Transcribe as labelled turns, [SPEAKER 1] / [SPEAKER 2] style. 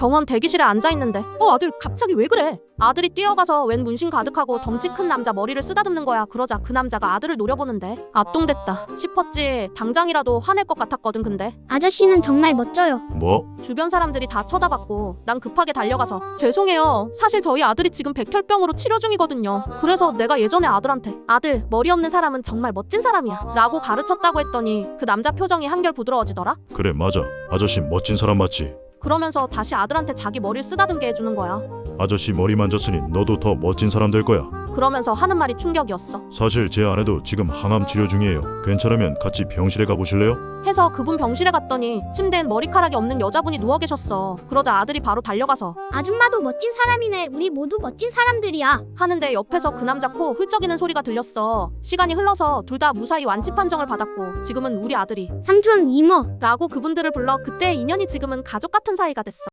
[SPEAKER 1] 병원 대기실에 앉아있는데 아들 갑자기 왜 그래? 아들이 뛰어가서 웬 문신 가득하고 덩치 큰 남자 머리를 쓰다듬는 거야. 그러자 그 남자가 아들을 노려보는데 아똥됐다 싶었지. 당장이라도 화낼 것 같았거든. 근데
[SPEAKER 2] 아저씨는 정말 멋져요.
[SPEAKER 3] 뭐?
[SPEAKER 1] 주변 사람들이 다 쳐다봤고 난 급하게 달려가서 죄송해요. 사실 저희 아들이 지금 백혈병으로 치료 중이거든요. 그래서 내가 예전에 아들한테 아들 머리 없는 사람은 정말 멋진 사람이야 라고 가르쳤다고 했더니 그 남자 표정이 한결 부드러워지더라.
[SPEAKER 3] 그래 맞아. 아저씨 멋진 사람 맞지?
[SPEAKER 1] 그러면서 다시 아들한테 자기 머리를 쓰다듬게 해주는 거야.
[SPEAKER 3] 아저씨 머리 만졌으니 너도 더 멋진 사람 될 거야.
[SPEAKER 1] 그러면서 하는 말이 충격이었어.
[SPEAKER 3] 사실 제 아내도 지금 항암 치료 중이에요. 괜찮으면 같이 병실에 가보실래요?
[SPEAKER 1] 해서 그분 병실에 갔더니 침대엔 머리카락이 없는 여자분이 누워 계셨어. 그러자 아들이 바로 달려가서
[SPEAKER 2] 아줌마도 멋진 사람이네. 우리 모두 멋진 사람들이야.
[SPEAKER 1] 하는데 옆에서 그 남자 코 훌쩍이는 소리가 들렸어. 시간이 흘러서 둘 다 무사히 완치 판정을 받았고 지금은 우리 아들이
[SPEAKER 2] 삼촌, 이모.
[SPEAKER 1] 라고 그분들을 불러 그때의 인연이 지금은 가족 같은 사이가 됐어.